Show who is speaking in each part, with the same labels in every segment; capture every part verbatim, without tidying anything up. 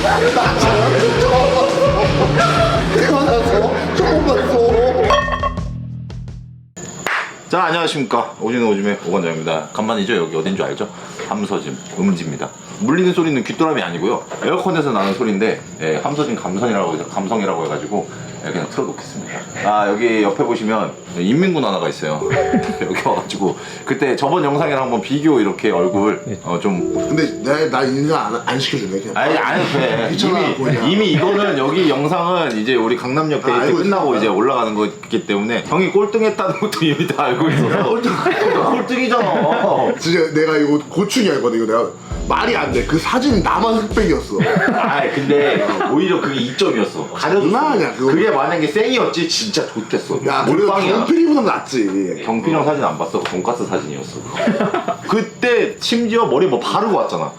Speaker 1: 태어나서 처음 봤어.
Speaker 2: 자, 안녕하십니까. 오지는 오줌의 오관장입니다. 간만이죠. 여기 어딘 줄 알죠? 함서짐, 음지입니다. 물리는 소리는 귀뚜라미 아니고요. 에어컨에서 나는 소리인데, 예, 함서짐 감성이라고, 해서 감성이라고 해가지고, 예, 그냥 틀어놓겠습니다. 아, 여기 옆에 보시면 인민군 하나가 있어요. 여기 와가지고, 그때 저번 영상이랑 한번 비교 이렇게 얼굴, 어, 좀.
Speaker 1: 근데 내, 나 인사 안, 안 시켜줄래? 그냥.
Speaker 2: 아니, 안 해도 돼.
Speaker 1: 귀찮아, 그냥.
Speaker 2: 이미, 이미 이거는 여기 영상은 이제 우리 강남역 데이트
Speaker 1: 아, 알고
Speaker 2: 끝나고
Speaker 1: 있어.
Speaker 2: 이제 올라가는 거기 때문에 형이 꼴등했다는 것도 이미 다 알고 있어서.
Speaker 1: 꼴등.
Speaker 2: 꼴등이잖아.
Speaker 1: 진짜 내가 이거 고충이 알거든. 이거 내가 말이 안 돼. 그 사진이 나만 흑백이었어.
Speaker 2: 아 근데 오히려 그게 이점이었어. 가려줬어.
Speaker 1: 장난이야, 그거.
Speaker 2: 그게 만약에 생이었지 진짜 좋겠어.
Speaker 1: 야, 그래도
Speaker 2: 몰빵이야.
Speaker 1: 경필이보다 낫지.
Speaker 2: 경필 형 사진 안 봤어? 돈가스 사진이었어. 그때 심지어 머리 뭐 바르고 왔잖아.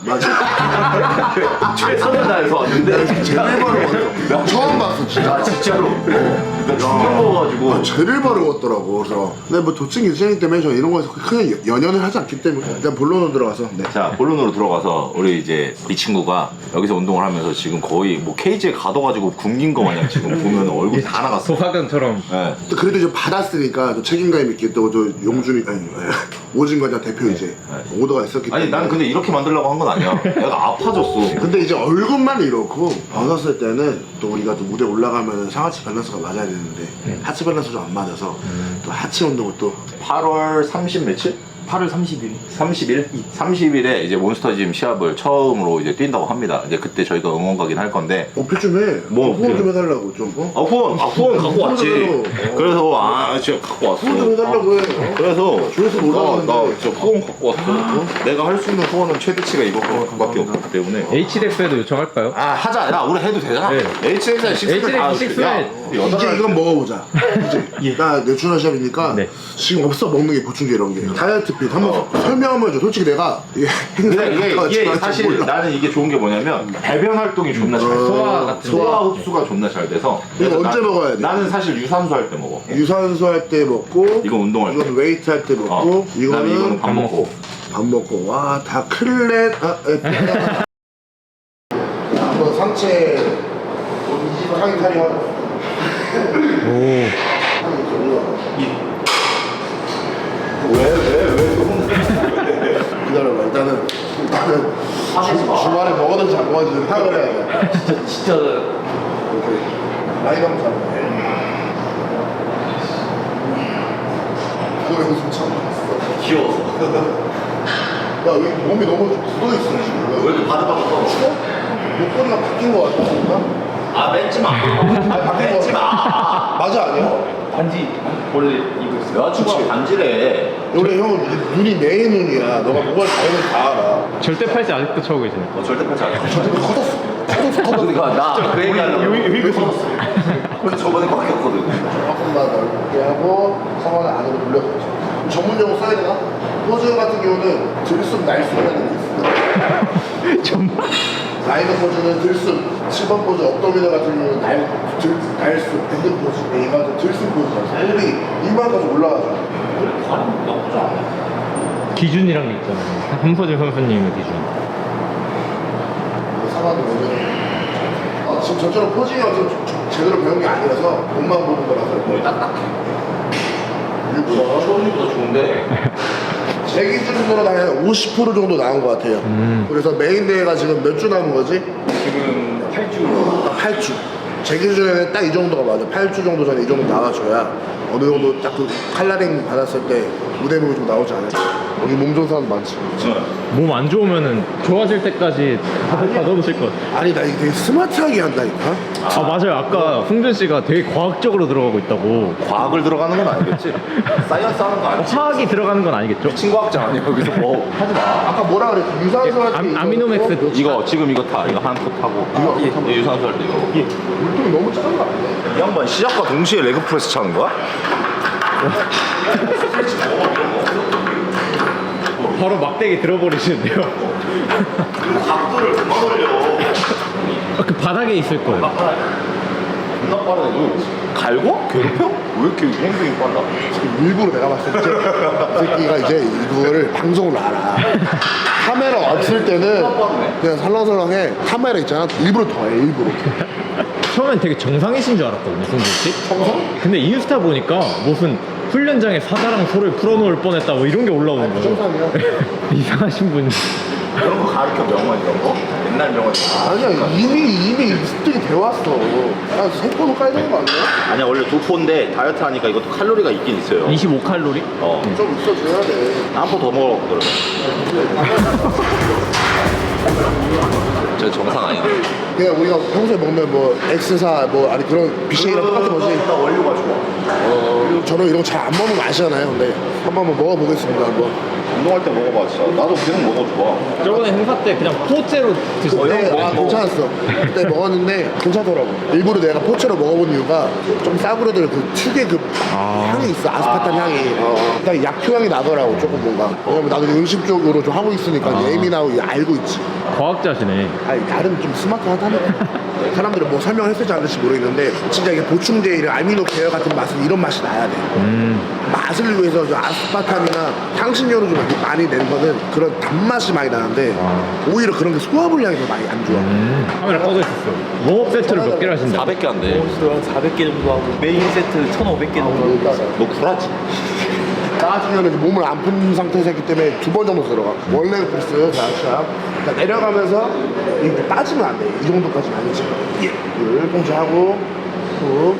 Speaker 1: 맞아.
Speaker 2: 최선을 다해서 왔는데
Speaker 1: 제일 바르고 왔어. 처음 봤어, 진짜.
Speaker 2: 아 진짜로. 나 충격 먹어가지고.
Speaker 1: 아, 제일 바르고 왔더라고. 그래서 근데 뭐 도찐 기준이기 때문에 저 이런 거에서 크게 연연을 하지 않기 때문에 일단 본론으로 들어가서. 네.
Speaker 2: 자, 본론으로 들어가서 우리 이제 이 친구가 여기서 운동을 하면서 지금 거의 뭐 케이지에 가둬가지고 굶긴 거 마냥 지금 보면 얼굴이 다 나갔어.
Speaker 3: 소화견처럼.
Speaker 2: 네.
Speaker 1: 또 그래도 이제 받았으니까 또 책임감 있게 또 저 용준이 아니 오진과장 대표 이제 오더가 있었기 때문에.
Speaker 2: 아니 난 근데 이렇게 만들려고 한 건 아니야. 내가 아파졌어.
Speaker 1: 근데 이제 얼굴만 이렇고 벗었을 때는 또 우리가 또 무대 올라가면 상하체 밸런스가 맞아야 되는데 하체 밸런스 좀 안 맞아서 또 하체 운동을 또
Speaker 2: 팔월 삼십 며칠?
Speaker 3: 팔월 삼십일.
Speaker 2: 삼십일? 삼십일에 이제 몬스터짐 시합을 처음으로 이제 뛴다고 합니다. 이제 그때 저희가 응원 가긴 할 건데.
Speaker 1: 어필 좀 해.
Speaker 2: 뭐
Speaker 1: 후원 좀
Speaker 2: 어필?
Speaker 1: 해달라고 좀. 어?
Speaker 2: 아 후원, 아 후원 갖고 왔지.
Speaker 1: 후원 해달라고.
Speaker 2: 그래서 아 진짜 갖고 왔어.
Speaker 1: 후원 좀 해달라고 해. 어?
Speaker 2: 그래서
Speaker 1: 조회수 올라가는데.
Speaker 2: 나, 나 진짜 후원 갖고 왔어. 내가 할 수 있는 후원은 최대치가 이거밖에 없기 때문에.
Speaker 3: 에이치덱스에도 요청할까요?
Speaker 2: 아 하자. 야 우리 해도 되잖아.
Speaker 3: 네.
Speaker 2: 에이치엑스에 식스팩 다
Speaker 3: 에이치엑스
Speaker 2: 야,
Speaker 3: 식스팩.
Speaker 1: 이제 이건 먹어보자. 이제 나 내추럴 샵이니까
Speaker 3: 네.
Speaker 1: 지금 없어 먹는 게 보충제 이런 게 다이어트 핏 한번 설명하면 줘. 솔직히 내가 이게
Speaker 2: 근데 이게,
Speaker 1: 행사에
Speaker 2: 이게
Speaker 1: 갔다
Speaker 2: 사실
Speaker 1: 몰라.
Speaker 2: 나는 이게 좋은 게 뭐냐면 배변 활동이 존나 잘 돼.
Speaker 3: 소화 같은
Speaker 2: 소화 흡수가 존나 잘 돼서.
Speaker 1: 이거
Speaker 2: 그래서
Speaker 1: 언제
Speaker 2: 나-
Speaker 1: 먹어야 돼?
Speaker 2: 나는 사실 유산소 할 때 먹어.
Speaker 1: 유산소 할 때 먹고
Speaker 2: 이건 운동할 때.
Speaker 1: 이건 웨이트 할 때 먹고
Speaker 2: 어. 그다음에
Speaker 1: 이거는
Speaker 2: 이거는 밥 먹고.
Speaker 1: 밥 먹고 와 다 클렛 아, 에, 한번 상체 상의 탈이 하고
Speaker 3: 오.
Speaker 2: 왜왜왜
Speaker 1: 기다려봐 일단은 나는 주, 주말에 먹었는지 안 먹었는지 파악을 해야 돼
Speaker 3: 진짜 진짜.
Speaker 1: 이렇게 라인 한번 잡고 그거 연습 참 많았어
Speaker 2: 귀여워서.
Speaker 1: 야 여기 몸이 너무 굳어있어 지금
Speaker 2: 왜 이렇게 바들바들 떠?
Speaker 1: 추워? 목걸이가 바뀐 거 같아
Speaker 2: 아 맺지 마.
Speaker 1: 아 바뀐 거
Speaker 2: 맺지 마.
Speaker 1: 맞아 아니야?
Speaker 3: 반지 원래 입고 있어요.
Speaker 2: 여자친구가 반지래.
Speaker 1: 원래 형은 눈이 내 눈이야. 너가 뭐가 다르면 다 알아.
Speaker 3: 절대 팔찌 아직도 차고 계시네.
Speaker 2: 어 절대 팔지 않아.
Speaker 1: 저한테 커졌어. 커졌어, 커졌어.
Speaker 2: 그러니까 나그 얘기하려고.
Speaker 1: 왜 커졌어?
Speaker 2: 그 저번에 바뀌었거든.
Speaker 1: 조금만 넓게 하고 상완을 안으로 돌려서. 전문 용어 써야 되나? 포즈 같은 경우는 들숨 날숨이라는 게 있어.
Speaker 3: 정말?
Speaker 1: 라이더 포즈는 들숨, 칠 번 포즈 업도미널 같은 경우는 날, 들, 날숨, 밴드 포즈, 이거 들숨 포즈잖아. 애들이 이만까지 올라가죠.
Speaker 2: 발음 나쁘지 않아.
Speaker 3: 기준이란 게 있잖아요. 함서진 선수님의 기준.
Speaker 1: 상황도 먼저. 아, 지금 저처럼 포징이 좀 제대로 배운 게 아니라서 몸만 보는 거라서
Speaker 2: 몸이 딱딱해.
Speaker 1: 일부러
Speaker 2: 초원이보다 좋은데.
Speaker 1: 제 기준으로는 한 오십 퍼센트 정도 나온 것 같아요.
Speaker 3: 음.
Speaker 1: 그래서 메인 대회가 지금 몇 주 남은 거지?
Speaker 3: 지금 팔 주.
Speaker 1: 팔 주. 제 기준에는 딱 이 정도가 맞아. 팔 주 정도 전에 이 정도 나와줘야 어느 정도 딱 그 칼라링 받았을 때 무대목이 좀 나오지 않을까. 여기 몸 좋은 사람 많지.
Speaker 3: 몸 안 좋으면은 좋아질 때까지 다 넣으실 것 같아요.
Speaker 1: 아니 나 이게 되게 스마트하게 한다니까.
Speaker 3: 아 맞아요. 아까 홍준 씨가 되게 과학적으로 들어가고 있다고.
Speaker 2: 과학을 들어가는 건 아니겠지? 사이언스 하는 거 아니지?
Speaker 3: 화학이 들어가는 건 아니겠죠?
Speaker 2: 친구학자 아니야 여기서 뭐 하지 마.
Speaker 1: 아까 뭐라 그랬지? 유산소 할 때.
Speaker 3: 예, 아, 아미노맥스.
Speaker 2: 이거 지금 이거 타 이거 한 컵 하고
Speaker 1: 이거
Speaker 2: 예, 예, 유산소 할 때 이거.
Speaker 3: 예.
Speaker 1: 물통이 너무 작은 거 아니야?
Speaker 2: 이 양반 시작과 동시에 레그 프레스 차는 거야?
Speaker 3: 바로 막대기 들어버리시는데요.
Speaker 2: 각도를 그만 올려.
Speaker 3: 아, 그 바닥에 있을 거예요.
Speaker 2: 존나 빠르네. 너 갈고? 괴롭혀? 왜 이렇게 행동이 빨라?
Speaker 1: 일부러 내가 봤을 때 이 새끼가 이제 이거를 방송을 알아. 카메라 왔을 때는 그냥 설렁설렁해. 카메라 있잖아. 일부러 더해 일부러.
Speaker 3: 처음엔 되게 정상이신 줄 알았거든요, 승준 씨.
Speaker 1: 정상?
Speaker 3: 근데 인스타 보니까 무슨 훈련장에 사자랑 소를 풀어놓을 뻔했다 뭐 이런 게 올라오는 거죠.
Speaker 1: 정상이야.
Speaker 3: 이상하신 분이.
Speaker 2: 그런 거 가르쳐 명언 이런 거? 옛날 명언.
Speaker 1: 아니야 이미 이미 습득이 돼 왔어. 야세 번은 까야 되는 거 아니야?
Speaker 2: 아니야 원래 두 포인데 다이어트 하니까 이것도 칼로리가 있긴 있어요.
Speaker 3: 이십오 칼로리?
Speaker 2: 어.
Speaker 1: 좀 있어줘야 돼.
Speaker 2: 한 포 더 먹어 그러면. 저 정상 아니야.
Speaker 1: 그냥 우리가 평소에 먹는 뭐 엑스사 뭐 아니 그런 비쉐이랑 똑같은 거지.
Speaker 2: 원료가 좋아.
Speaker 1: 어, 저는 이런 거 잘 안 먹는 거 아시잖아요. 근데 한번 한번 먹어보겠습니다. 한번.
Speaker 2: 운동할 때 먹어봐 진짜. 나도 계속 먹어 좋아.
Speaker 3: 저번에 행사 때 그냥 포째로 드셨어요?
Speaker 1: 네, 아, 괜찮았어. 그때 먹었는데 괜찮더라고. 일부러 내가 포체로 먹어본 이유가 좀 싸구려들 그 특유의 그 향이 있어. 아스파탐 향이. 어, 일단 약효 향이 나더라고 조금 뭔가. 왜냐면 나도 음식 쪽으로 좀 하고 있으니까 예민하고 알고 있지.
Speaker 3: 과학자시네.
Speaker 1: 아니 나름 좀 스마트하다니까. 사람들은 뭐 설명했을지 안 했을지 모르겠는데 진짜 이게 보충제 이런 아미노 계열 같은 맛은 이런 맛이 나야 돼.
Speaker 3: 음.
Speaker 1: 맛을 위해서 저 아스파탐이나 향신료로 좀 많이 낸 거는 그런 단맛이 많이 나는데 오히려 그런 게 소화불량이 더 많이 안 좋아.
Speaker 3: 음. 카메라 꺼져 있었어. 웜업 세트를 몇 개를 하신다?
Speaker 2: 사백 개 안 돼.
Speaker 4: 한 사백 개 정도 하고 메인 세트 천오백 개 정도
Speaker 2: 너 구라지?
Speaker 1: 나 같은 경우는 몸을 안 푼 상태에서 했기 때문에 두 번 정도 들어가. 원래 프레스 자시야. 그러니까 내려가면서 이거 빠지면 안 돼. 이 정도까지는 아니지. 예. 둘, 봉지하고 후,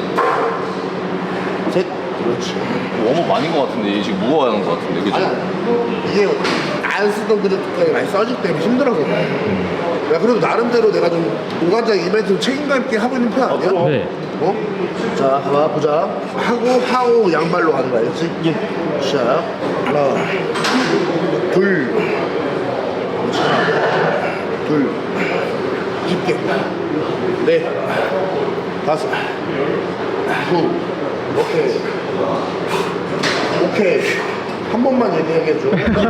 Speaker 1: 셋. 그렇지.
Speaker 2: 웜업 아닌 것 같은데 지금 무거워야 하는 것 같은데 그죠?
Speaker 1: 아니, 이게 안 쓰던 그릇까지 많이 써질 때문에 힘들어서 그래. 야, 그래도 나름대로 내가 좀 오간장 이벤트 책임감 있게 하고 있는 편 아니야?
Speaker 3: 네.
Speaker 1: 어? 자, 봐봐, 보자. 하고, 하고, 양발로 하는 거 알지? 예. 자, 하나, 둘, 그렇지. 하나, 둘, 깊게. 넷, 다섯, 구, 오케이. 오케이. 한 번만 얘기하게 해줘.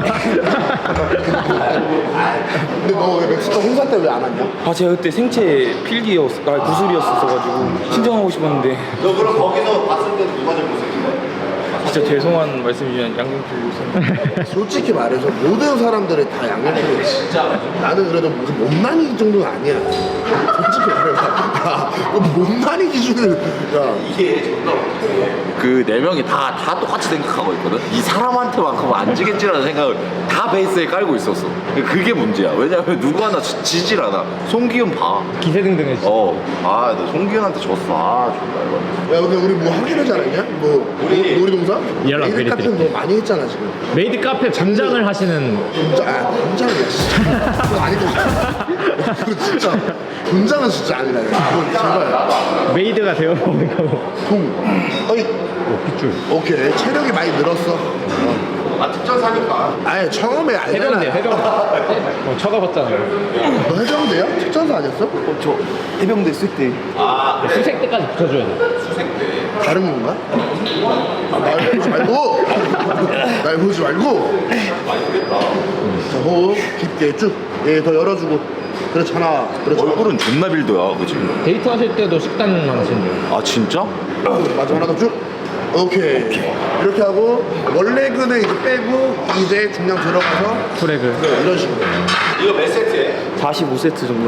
Speaker 1: 근데 너 왜 멕시코 행사 때 왜 안 왔냐?
Speaker 4: 아 제가 그때 생체 필기였 아 구술이었어가지고 신청하고 싶었는데
Speaker 2: 너 그럼 거기서 봤을 때 누가 제일 못생긴 거야?
Speaker 4: 진짜 죄송한 말씀이지만 양경필 교수님
Speaker 1: 솔직히 말해서 모든 사람들이 다 양념피를 진짜 나는 그래도 무슨 못난이 정도는 아니야. 솔직히 말해서 야, 못난이 기준을 야
Speaker 2: 이게 존나 그 네 명이 다, 다 똑같이 생각하고 있거든? 이 사람한테만큼 안 지겠지라는 생각을 다 베이스에 깔고 있었어. 그게 문제야. 왜냐면 누구 하나 지- 지질 않아. 송기훈 봐.
Speaker 3: 기세등등해.
Speaker 2: 어. 아, 너 송기훈한테 졌어. 아, 존나 이거.
Speaker 1: 야 근데 우리 뭐 하기로 하지 않았냐? 뭐
Speaker 2: 우리-
Speaker 1: 놀이동산?
Speaker 3: 연락
Speaker 1: 메이드
Speaker 3: 미리
Speaker 1: 카페
Speaker 3: 드릴게요.
Speaker 1: 뭐 많이 했잖아 지금.
Speaker 3: 메이드 카페 분장을 하시는
Speaker 1: 분장 아 분장이야 진짜. 그거 아니고 그거 진짜 분장은 진짜 아니다. 그건 제발.
Speaker 3: 메이드가 되어보는 거고.
Speaker 1: 동. 어이.
Speaker 3: 오, 핏줄.
Speaker 1: 오케이 체력이 많이 늘었어.
Speaker 2: 아, 특전 사니까.
Speaker 1: 아예 처음에 알잖아.
Speaker 3: 해병대, 해병대. 어, 쳐다봤잖아요.
Speaker 1: 너 해병대야? 특전사 아니었어?
Speaker 4: 어, 저 해병대 있을 때
Speaker 3: 수색 때까지 붙여줘야 돼.
Speaker 1: 다른 건가? 아, 날 보지 말고! 날 보지 말고! 자, 호흡 깊게 쭉. 예, 더 열어주고. 그렇잖아. 그렇잖아.
Speaker 2: 얼굴은 존나 빌드야, 그치?
Speaker 3: 데이트 하실 때도 식단 하신대요.
Speaker 2: 아, 진짜?
Speaker 1: 맞아, 하나 더 쭉. 오케이. 이렇게 하고, 원래그는 이제 빼고, 이제 중량 들어가서,
Speaker 3: 프레그.
Speaker 1: 이런 식으로.
Speaker 2: 이거 몇 세트에?
Speaker 4: 사십오 세트 정도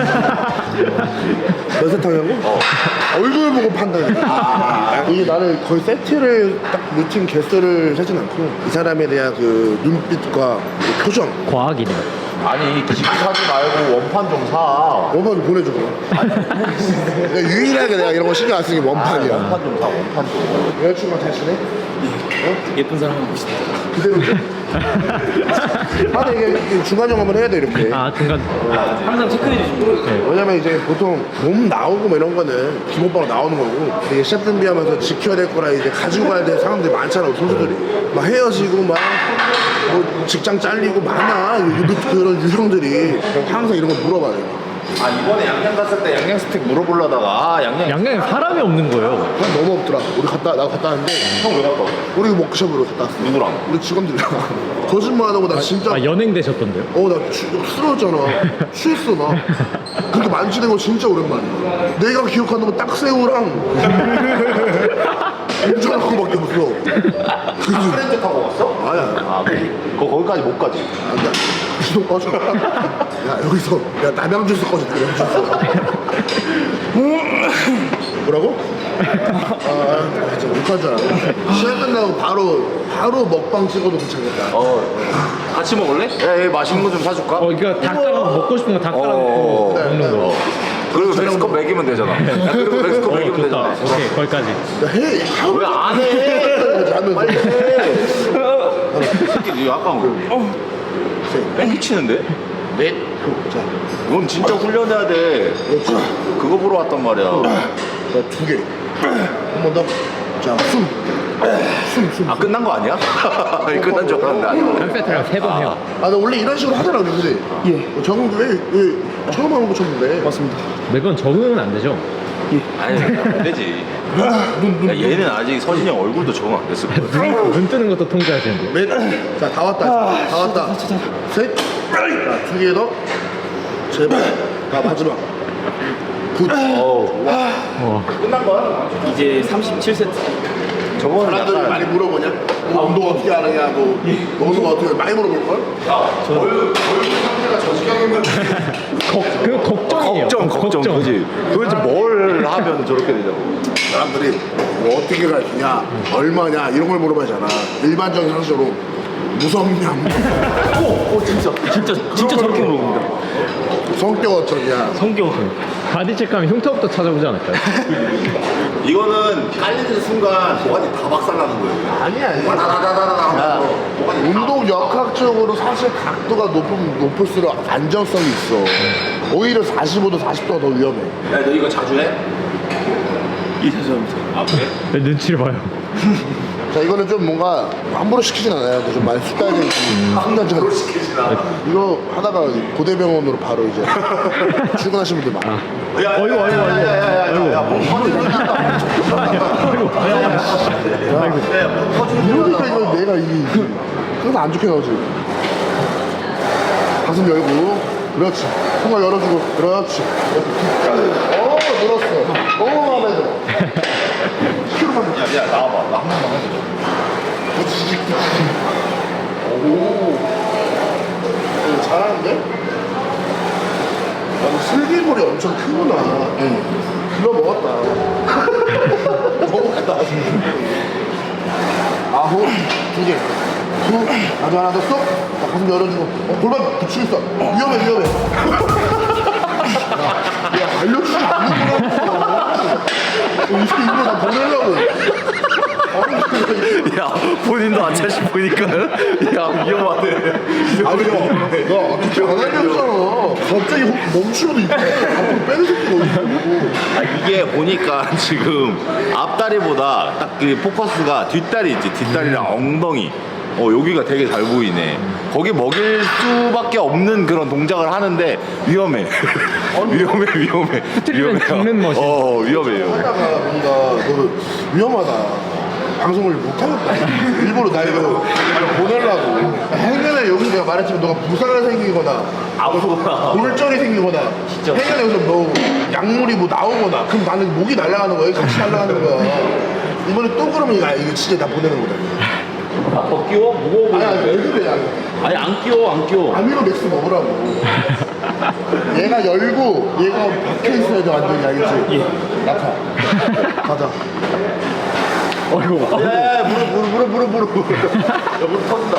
Speaker 1: 몇 세탕이라고?
Speaker 2: 어.
Speaker 1: 얼굴 보고 판단해. 아, 이게 나는 거의 세트를 딱 루틴 개수를 세진 않고, 이 사람에 대한 그 눈빛과 그 표정.
Speaker 3: 과학이네요.
Speaker 2: 아니, 기기 사지 말고 원판 좀 사.
Speaker 1: 원판 좀 보내줘. 내가 유일하게 내가 이런 거 신경 안 쓰는 게 원판이야.
Speaker 2: 원판 좀 사, 원판 좀.
Speaker 1: 여자친구가 대신에
Speaker 4: 예쁜 사람 하고 싶다
Speaker 1: 그대로 줘. 아, 근데 이게, 이게 중간 점검을 해야 돼 이렇게.
Speaker 3: 아, 중간.
Speaker 4: 항상 체크해 주시고
Speaker 3: 네.
Speaker 1: 왜냐면 이제 보통 몸 나오고 뭐 이런 거는 기본적으로 나오는 거고 되게 시합 준비하면서 지켜야 될 거라 이제 가지고 가야 될 상황들이 많잖아 선수들이. 막 헤어지고 막 뭐 직장 잘리고 많아 유- 그런 유형들이 항상 이런 거 물어봐요.
Speaker 2: 아 이번에 양양 갔을 때 양양 스택 물어보려다가 아 양양
Speaker 3: 양양에 사람이 없는 거예요.
Speaker 1: 난 너무 없더라. 우리 갔다 나 갔다 왔는데
Speaker 2: 형 왜 갔다 왔어?
Speaker 1: 우리 워크숍으로 갔다 왔어.
Speaker 2: 누구랑?
Speaker 1: 우리 직원들이랑 거짓말 안 하고 나 진짜
Speaker 3: 아 연행 되셨던데요?
Speaker 1: 어나 쓰러졌잖아. 취했어 나. 그렇게 만지는 거 진짜 오랜만이야. 내가 기억하는 건 딱 새우랑 엄청난 거밖에 없어. 그래서
Speaker 2: 프렌즈 타고 왔어?
Speaker 1: 아야
Speaker 2: 아 그, 거 거기까지 못 가지.
Speaker 1: 안돼. 주소 꺼져. 야 여기서 야 남양 주스 꺼져. 남양 주스. 뭐라고? 아 진짜 못하잖아. 시간 끝나고 바로 바로 먹방 찍어도 괜찮겠다.
Speaker 2: 어 같이 먹을래? 야, 야 맛있는 거 좀 사줄까?
Speaker 3: 어 이거 다 깔아 먹고 싶은 거 다 깔아
Speaker 2: 어,
Speaker 3: 먹고
Speaker 1: 네,
Speaker 3: 먹는
Speaker 1: 네.
Speaker 3: 거.
Speaker 2: 그리고 멕시코 먹이면 되잖아. 야, 그리고 멕시코
Speaker 3: 어
Speaker 2: 먹이면
Speaker 3: 좋다.
Speaker 2: 되잖아.
Speaker 3: 오케이 거기까지.
Speaker 1: 야, 해. 하루
Speaker 2: 왜 안 해?
Speaker 1: 하면서.
Speaker 2: 빨리 해. 이 새끼 약간 어. 뺑기치는데? 넷.
Speaker 1: 자,
Speaker 2: 넌 진짜 훈련해야 돼.
Speaker 1: 그렇지.
Speaker 2: 그거 보러 왔단 말이야.
Speaker 1: 자, 두 개. 한 번 더. 자, 숨. 숨, 숨.
Speaker 2: 아 끝난 거 아니야? 끝난 줄 알았는데 아니야.
Speaker 3: 한 세트랑 세 번 해요.
Speaker 1: 아, 나 원래 이런 식으로 하더라, 근데. 예. 저는 왜, 왜 처음 하는 거 쳤는데. 맞습니다.
Speaker 3: 매번 적응은 안 되죠?
Speaker 2: 아니 안 되지. 야, 얘는 아직 서진이 형 얼굴도 적응 안 됐을 거야.
Speaker 3: 눈, 눈 뜨는 것도 통제하시는데.
Speaker 1: 넷. 자, 다 왔다. 다 왔다. 셋. 자, 두 개 더. 제발. 자, 마지막. 굿.
Speaker 2: 어우, 와.
Speaker 3: 어.
Speaker 2: 끝난 거야?
Speaker 4: 이제 삼십칠 세트.
Speaker 2: 저거는
Speaker 1: 사람들이
Speaker 2: 약간
Speaker 1: 많이 물어보냐? 뭐 운동 어떻게 하느냐, 뭐, 너는 어떻게 많이 물어볼걸? 얼굴 상태가 저 지경이면
Speaker 3: 걱, 그 걱정이에요.
Speaker 2: 걱정 걱정 그지. 도대체 뭘 하면 저렇게 되냐고.
Speaker 1: 사람들이 뭐 어떻게 가르치냐, 얼마냐 이런 걸 물어봐야잖아. 일반적인 상식으로 무섭냐,
Speaker 4: 오, 오 진짜 진짜 진짜 저렇게 물어봅니다.
Speaker 1: 성격 어쩌냐.
Speaker 4: 성격.
Speaker 3: 바디 체크하면 흉터부터 찾아보지 않을까요?
Speaker 2: 이거는 깔리는 순간 도관이 다 박살나는 거예요.
Speaker 1: 아니야, 아니야.
Speaker 2: 다다다다다다. 도관이 다
Speaker 1: 운동 역학적으로 사실 각도가 높으면 높을수록 안정성이 있어. 오히려 사십오 도, 사십 도가 더 위험해.
Speaker 2: 야, 너 이거 자주 해?
Speaker 4: 이 죄송합니다.
Speaker 2: 아 그래?
Speaker 3: 네, 눈치를 봐요.
Speaker 1: 자, 이거는 좀 뭔가 함부로 시키진 않아요. 좀 많이 습관적인 순간적으로 시키진 않아. 이거 하다가 고대병원으로 바로 이제 출근하시는 분들 많아.
Speaker 2: 야,
Speaker 3: 어이구, 어이구, 어이구.
Speaker 2: 야야야야야, 뭐
Speaker 1: 이러니까 이거 내가 이 그래서 안 좋게 나오지. 가슴 열고, 그렇지. 손을 열어주고, 그렇지. 어, 늘었어. 너무 마음에 들어. 키로만
Speaker 2: 야, 야, 나와봐. 나 한 번만 해줘.
Speaker 1: 부치직 부치직. 오. 어, 잘하는데? 아, 슬기물이 엄청 크구나. 응. 길러 먹었다. 먹었다. 아홉, 두 개. 두, 아주 하나 더 쏙. 자, 가슴 열어주고. 어, 골반 붙이고 있어. 위험해, 위험해. 야, 야, 알려주지 않는 거라고. 이 새끼 이거 나 보내려고.
Speaker 2: 야, 본인도 안 차시 보니까 야 위험하네.
Speaker 1: 아니 형, 너 어떻게 안 알려줬잖아. 갑자기 혹- 멈추고도 있고 앞으로 빼는 새끼가 있고.
Speaker 2: 아, 이게 보니까 지금 앞다리보다 딱 그 포커스가 뒷다리 있지. 뒷다리랑 엉덩이. 어 여기가 되게 잘 보이네. 거기 먹일 수밖에 없는 그런 동작을 하는데 위험해. 위험해 위험해.
Speaker 3: 틀리면 죽는 멋이.
Speaker 2: 어 위험해요.
Speaker 1: 하다가 뭔가 너는 위험하다. 방송을 못하겠다. 일부러 나 이거 보내려고. 행여나 여기서 내가 말했지만 너가 부상이 생기거나
Speaker 2: 아무거나.
Speaker 1: 골절이 생기거나 행여나 여기서 너 약물이 뭐 나오거나 그럼 나는 목이 날아가는 거야. 같이 날아가는 거야. 이번에 또 그러면 이거, 이거 진짜 다 보내는 거다.
Speaker 4: 아, 더 끼워? 무거워
Speaker 1: 아니 아니 왜 그래. 아니.
Speaker 4: 아니 안 끼워 안 끼워.
Speaker 1: 아미노 맥스 먹으라고. 얘가 열고 얘가 박혀 있어야 돼 완전히 알겠지? 예. 나타. 가자.
Speaker 3: 어이구.
Speaker 2: 야 무릎 무릎 무릎 무릎 무릎. 야 무릎 터진다.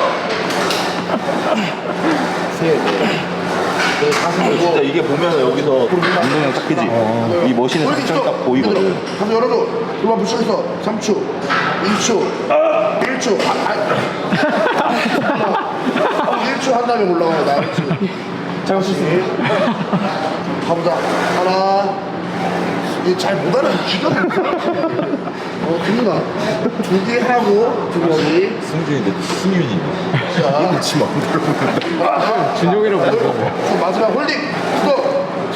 Speaker 1: 셋. 네, 가슴
Speaker 2: 아, 진짜
Speaker 1: 열고.
Speaker 2: 이게 보면 여기서 운동량 딱 크지. 이 머신의 장점 딱 보이거든.
Speaker 1: 가슴 열어줘. 그만 붙여 있어. 삼 초, 이 초, 일 초. 아, 아. 일 초 한 다음에 올라가야 돼. 알았지?
Speaker 4: 잘수 있어.
Speaker 1: 가보자. 하나. 잘 못하는 기가 막혀. 어, 그니까. 두 개 하고, 두 개.
Speaker 2: 승준인데 승윤이.
Speaker 1: 자.
Speaker 2: 지 마음대로.
Speaker 1: 하나.
Speaker 3: 준용이라고
Speaker 1: 자,
Speaker 3: 부르고.
Speaker 1: 자, 마지막 홀딩. 스톱.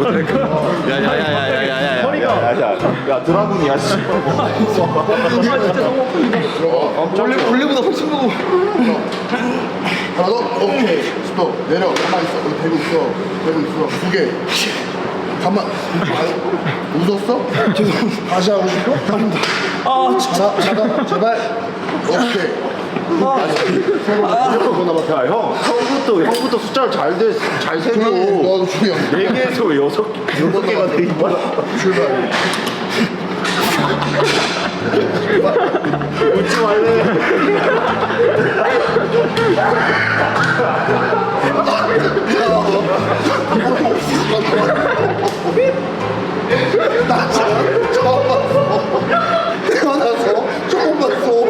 Speaker 4: 모자이크.
Speaker 2: 야야야야야야야.
Speaker 3: 허리가.
Speaker 2: 야 드라군이야. 씨.
Speaker 1: 원래 원래보다 훨씬 크고. 하나 더. 오케이. 스톱. 내려. 가만 있어. 여기 대고 있어. 대고 있어. 두 개. 가만. 아, 웃었어? 죄송. 다시 하고 싶어? 아닙니다. 아, 하나, 하나, 제발. 오케이.
Speaker 2: 야 형, 형부터 형부터 숫자를 잘잘 세고
Speaker 1: 너도 조용.
Speaker 2: 네 개에서 왜 여섯 여섯 개가 돼 있는 거야?
Speaker 1: 출발.
Speaker 2: 웃지 말래.
Speaker 1: 나 처음 처음 봤어. 태어나서 처음 봤어.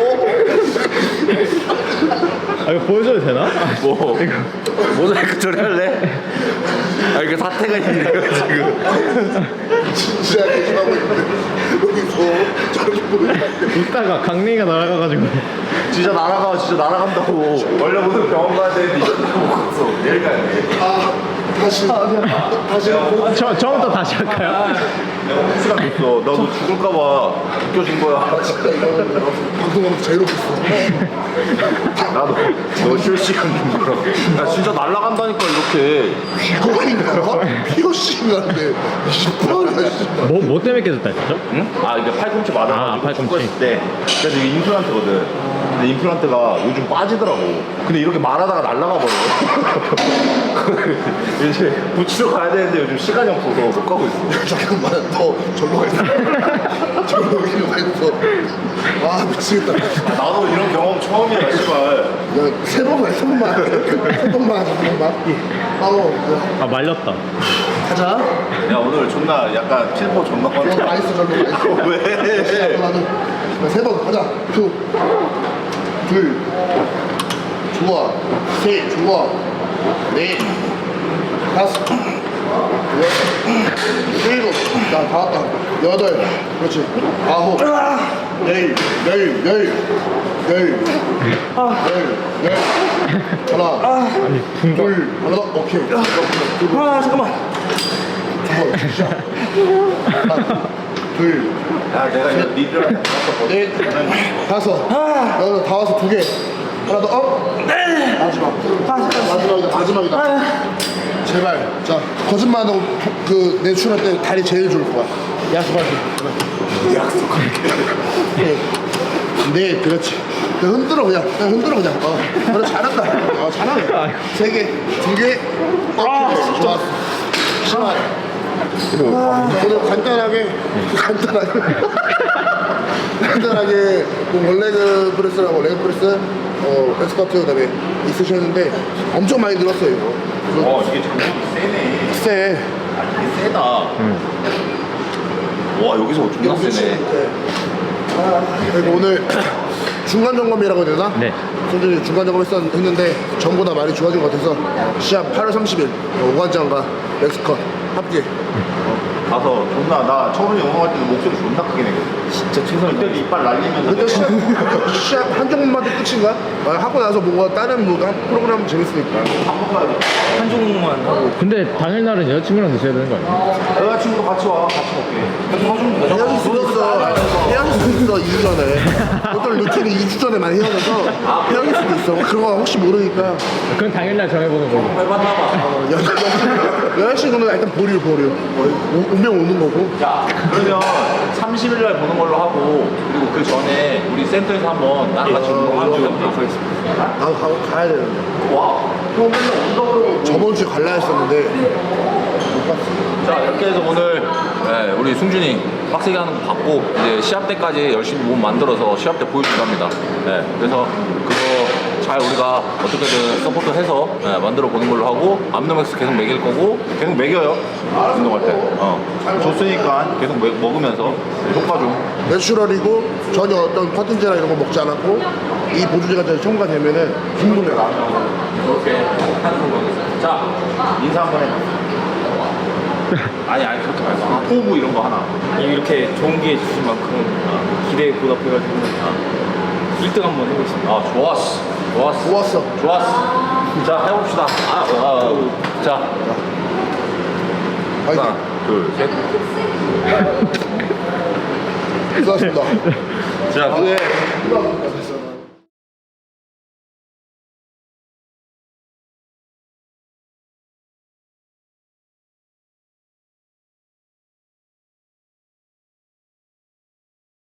Speaker 3: 아 이거 보여줘도 되나?
Speaker 2: 뭐 모자이크 처리할래? 아 이게 사태가 있네요 지금.
Speaker 1: 진지하게 지나고 있는데 여기서 저렇게 보는.
Speaker 3: 웃다가 강냉이가 날아가가지고.
Speaker 2: 진짜 날아가 진짜 날아간다고. 원래 오늘 병원 가야 되는데 이거 못 갔어. 내일 가야 돼.
Speaker 1: 아 다시 다시.
Speaker 3: 아, 저, 처음부터 다시 할까요?
Speaker 2: 내가 혹시나 됐어. 나도 죽을까봐 웃겨준 거야.
Speaker 1: 방송하면서 제일 웃겼어.
Speaker 2: 나도 너 실시간 준 거라고. 나 진짜 날아간다니까 이렇게.
Speaker 1: 그거인가? 피어싱인데 이십팔 씨.
Speaker 3: 뭐, 뭐 때문에 깨졌다 했죠?
Speaker 2: 응? 아 이게 팔꿈치 맞아가지고
Speaker 3: 아, 팔꿈치.
Speaker 2: 축구했을 때. 그래서 이게 임플란트거든. 근데 임플란트가 요즘 빠지더라고. 근데 이렇게 말하다가 날아가 버려. 이제 붙이러 가야 되는데 요즘 시간이 없어서 못 가고 있어.
Speaker 1: 잠깐만 너 절로 가 있어. 절로 가 있어. 아 미치겠다.
Speaker 2: 아, 나도 이런 경험 처음이야 씨발.
Speaker 1: 야세 번만 세 번만 세 번만 하자 세 번만. 아우
Speaker 3: 아 말렸다.
Speaker 1: 가자.
Speaker 2: 야 오늘 존나 약간 필포 존나
Speaker 1: 어,
Speaker 2: 뻔해.
Speaker 1: 맛있어 절로 맛있어.
Speaker 2: 왜?
Speaker 1: 나도 세번 가자. 투, 둘, 좋아, 셋, 좋아, 넷, 다섯, 여섯, 일곱, 나 다 왔다. 여덟, 그렇지. 아홉, 열, 열, 열, 열, 열, 열. 하나,
Speaker 3: 아니 분가.
Speaker 1: 둘, 하나 더. 오케이.
Speaker 4: 아 잠깐만.
Speaker 1: 두 번, 시작. 하나, 둘.
Speaker 2: 야 내가 이거 니들한테
Speaker 1: 넷, 다섯, 여덟, 다 와서 두 개. 하나 더, 업. 마지막. 마지막이다, 마지막이다. 제발. 자, 거짓말 안 하고 그 내추럴 때 다리 제일 좋을 거야. 약속할게. 약속할게. 네. 네, 그렇지. 그냥 흔들어 그냥. 그냥 흔들어 그냥. 어, 그래 잘한다. 어, 잘하네. 세 개, 두 개. 오케이. 좋았어. 시작. 오늘 간단하게 간단하게 간단하게 뭐 원래그 프레스라고 레그 프레스 어 엑스커트 그다음에 있으셨는데 엄청 많이 늘었어요 이거.
Speaker 2: 어 이게 장력이 세네.
Speaker 1: 세.
Speaker 2: 아 이게 세다. 와 여기서 존나 세네.
Speaker 1: 그리고 오늘 중간 점검이라고 해야 되나?
Speaker 3: 네.
Speaker 1: 손준이 중간 점검 했었, 했는데 전보다 많이 좋아진 것 같아서 시합 팔월 삼십일 오관장과 엑스컷 합계.
Speaker 2: 가서 존나 나 처음에 영어할 때는 목소리 존나 크게 내거든.
Speaker 4: 진짜 최선을
Speaker 2: 그때 이빨 날리면서
Speaker 1: 근데 시합, 시합 한 종목만 끝인가? 아, 하고 나서 뭔가 다른 뭐 프로그램 재밌으니까.
Speaker 2: 한번 가야 돼.
Speaker 4: 한 종목만 하고.
Speaker 3: 근데 당일날은 여자친구랑 드셔야 되는 거 아니에요?
Speaker 2: 여자친구도 같이 와. 같이 먹게. 해주면 되잖아.
Speaker 1: 헤어질 수도 있어. 헤어질 수도 있어, 이 주 전에. 어떤 루틴이 이 주 전에 많이 헤어져서 헤어질 수도 있어. 그런 거 혹시 모르니까.
Speaker 3: 그건 당일날 정해보는 걸로.
Speaker 2: 해봤나봐.
Speaker 1: 여자친구는 일단 보류, 보류. 오- 오면 오는 거고.
Speaker 2: 자, 그러면 삼십 일 날 보는 걸로 하고 그리고 그 전에 우리 센터에서 한번 나랑 같이 운동하고 해보도록 하겠습니다.
Speaker 1: 나도 가, 가야 되는데.
Speaker 2: 와, 형 맨날 온다고 그러고.
Speaker 1: 저번 주에 갈라 했었는데. 못 갔어.
Speaker 2: 자, 이렇게 해서 오늘 네, 우리 승준이 빡세게 하는 거 봤고 이제 시합 때까지 열심히 몸 만들어서 시합 때 보여준다 합니다. 네, 그래서 그거 잘 우리가 어떻게든 서포트해서 네, 만들어 보는 걸로 하고 암노맥스 계속 먹일 거고 계속 먹여요. 운동할 때. 어. 줬으니까 계속 먹, 먹으면서 효과 좀.
Speaker 1: 내추럴이고 전혀 어떤 컨텐츠나 이런 거 먹지 않았고 이 보조제가 잘 첨가되면은 궁금해.
Speaker 2: 이렇게 하는 걸로 하겠습니다. 자, 인사 한번 해. 아니 아니 그렇게 말고 아, 포부 이런 거 하나.
Speaker 4: 이렇게 좋은 기회 주신 만큼 기대에 보답해가지고 일 등 한번 해보겠습니다.
Speaker 2: 아 좋았어 좋았어 하나, 둘, 셋.
Speaker 1: 수고하셨습니다.
Speaker 2: 자,
Speaker 1: 네.